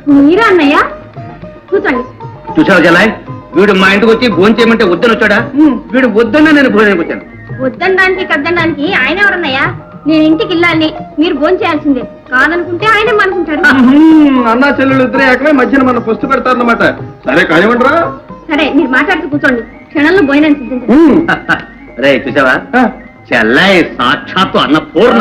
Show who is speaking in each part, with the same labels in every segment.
Speaker 1: మీరా అన్నయ్య? కూర్చోండి.
Speaker 2: చూసావు జలాయ్, వీడు మా ఇంటికి వచ్చి భోజనం చేయమంటే వద్దని వచ్చాడా? వీడు వద్దన్నా నేను భోజనానికి వచ్చాను.
Speaker 1: వద్దనడానికి కద్దనడానికి ఆయన ఎవరన్నయ్యా? నేను ఇంటికి వెళ్ళాలి, మీరు భోజనం చేయాల్సిందే. కాదనుకుంటే ఆయనే అనుకుంటారు.
Speaker 3: అన్నా చెల్లెలు ఇద్దరే ఏకమే మధ్యన మన పొస్తు పెడతారన్నమాట. సరే కానివ్వండిరా.
Speaker 1: సరే, మీరు మాట్లాడుతూ కూర్చోండి. క్షణంలో భోజనం సిద్ధించండి.
Speaker 2: రే చూసావా, చెల్లాయి సాక్షాత్తు అన్నపూర్ణ.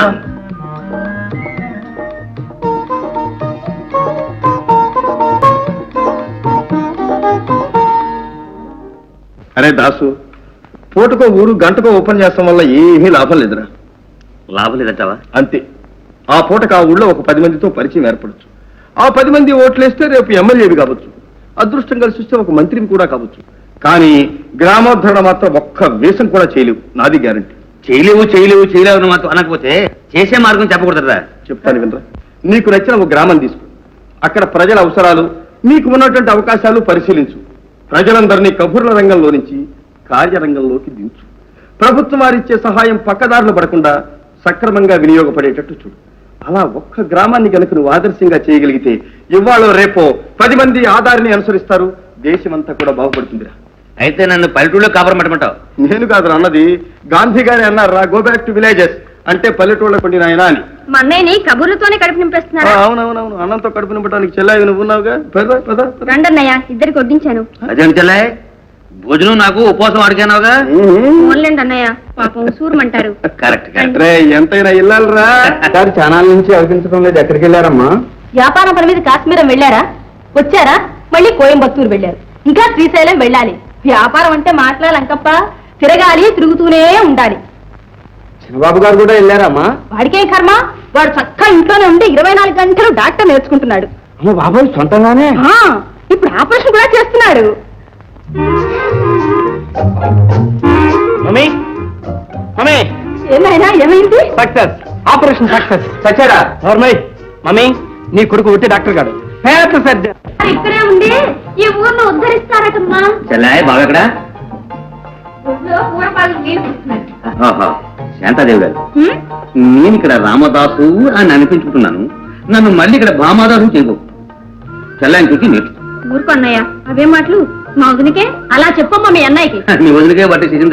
Speaker 3: అరే దాసు, పూటకో ఊరు గంటకో ఓపెన్ చేస్తాం వల్ల ఏమీ లాభం లేదురా.
Speaker 2: లాభం లేదంటావా?
Speaker 3: అంతే. ఆ పూటకు ఆ ఊళ్ళో ఒక 10 మందితో పరిచయం ఏర్పడచ్చు. ఆ 10 మంది ఓట్లేస్తే రేపు ఎమ్మెల్యేవి కావచ్చు, అదృష్టం కలిసి వస్తే ఒక మంత్రిని కూడా కావచ్చు. కానీ గ్రామోద్ధరణ మాత్రం ఒక్క వేషం కూడా చేయలేవు, నాది గ్యారంటీ.
Speaker 2: చేయలేవు మాత్రం అనకపోతే చేసే మార్గం చెప్పకూడదురా.
Speaker 3: చెప్తాను వినరా. నీకు నచ్చిన ఒక గ్రామం తీసుకో, అక్కడ ప్రజల అవసరాలు, మీకు ఉన్నటువంటి అవకాశాలు పరిశీలించు. ప్రజలందరినీ కబుర్ల రంగంలో నుంచి కార్యరంగంలోకి దించు. ప్రభుత్వం వారిచ్చే సహాయం పక్కదారులు పడకుండా సక్రమంగా వినియోగపడేటట్టు చూడు. అలా ఒక్క గ్రామాన్ని కనుక నువ్వు ఆదర్శంగా చేయగలిగితే ఇవాళ రేపో 10 మంది ఆధారిని అనుసరిస్తారు, దేశమంతా కూడా బాగుపడుతుందిరా.
Speaker 2: అయితే నన్ను పల్లెటూళ్ళలో కాపురం పెట్టమంటావు?
Speaker 3: నేను కాదు అన్నది, గాంధీ గారి అన్నారా, గో బ్యాక్ టు విలేజెస్ అంటే పల్లెటూళ్ళ పండిన ఆయన అని.
Speaker 1: మా అన్నయ్యని కబుర్లతోనే కడుపు నింపేస్తున్నారా?
Speaker 3: అవునవునవును, అన్నంతో కడుపు నింపడానికి చెల్లాయి నువ్వు ఉన్నావుగా.
Speaker 1: రండి అన్నయ్య, ఇద్దరికి వడ్డించాను.
Speaker 2: అదేంటి చెల్లాయి, భోజనం నాకు ఉపవాసం అడిగానావుగా.
Speaker 1: ఓన్లేండి అన్నయ్య, పాపం సూరమంటారు.
Speaker 2: కరెక్ట్.
Speaker 3: ఎంతైనా ఇల్లాలరా. చాలా నుంచి అనిపించడం లేదు. ఎక్కడికి వెళ్ళారమ్మా?
Speaker 1: వ్యాపారం పని మీద కాశ్మీరం వెళ్ళారా? వచ్చారా? మళ్ళీ కోయంబత్తూరు వెళ్ళారు. ఇంకా శ్రీశైలం వెళ్ళాలి. వ్యాపారం అంటే మాట్లాడాలంకప్ప, తిరగాలి, తిరుగుతూనే ఉండాలి.
Speaker 3: చిన్నబాబు గారు కూడా వెళ్ళారమ్మా?
Speaker 1: వాడికేం కర్మ, వాడు చక్కగా ఇంట్లోనే ఉండి 24 గంటలు డాక్టర్ నేర్చుకుంటున్నాడు.
Speaker 3: బాబాయ్ సొంతంగానే?
Speaker 1: ఇప్పుడు ఆపరేషన్ కూడా చేస్తున్నాడు. ఏమైనా ఏమైంది?
Speaker 3: Success, operation success. సచ్చారా? మమ్మీ, నీ కొడుకు ఒట్టి డాక్టర్ గారు, పేద సర్జన్.
Speaker 1: ఇక్కడే ఉండి ఈ ఊర్ను ఉద్ధరిస్తారటమ్మా.
Speaker 2: చెల్లాయి బాగా ఎక్కడ? శాంతాదేవి గారు, నేను ఇక్కడ రామదాసు అని అనిపించుకుంటున్నాను, నన్ను మళ్ళీ ఇక్కడ భామాదాసు చేయకు. చెల్లాయిని చూసి నేర్చు.
Speaker 1: ఊరుకో అన్నయ్య, అవే మాటలు. మా వదినకే అలా చెప్పమ్మా మీ అన్నయ్యకి.
Speaker 2: నీ వదిలికే బట్టి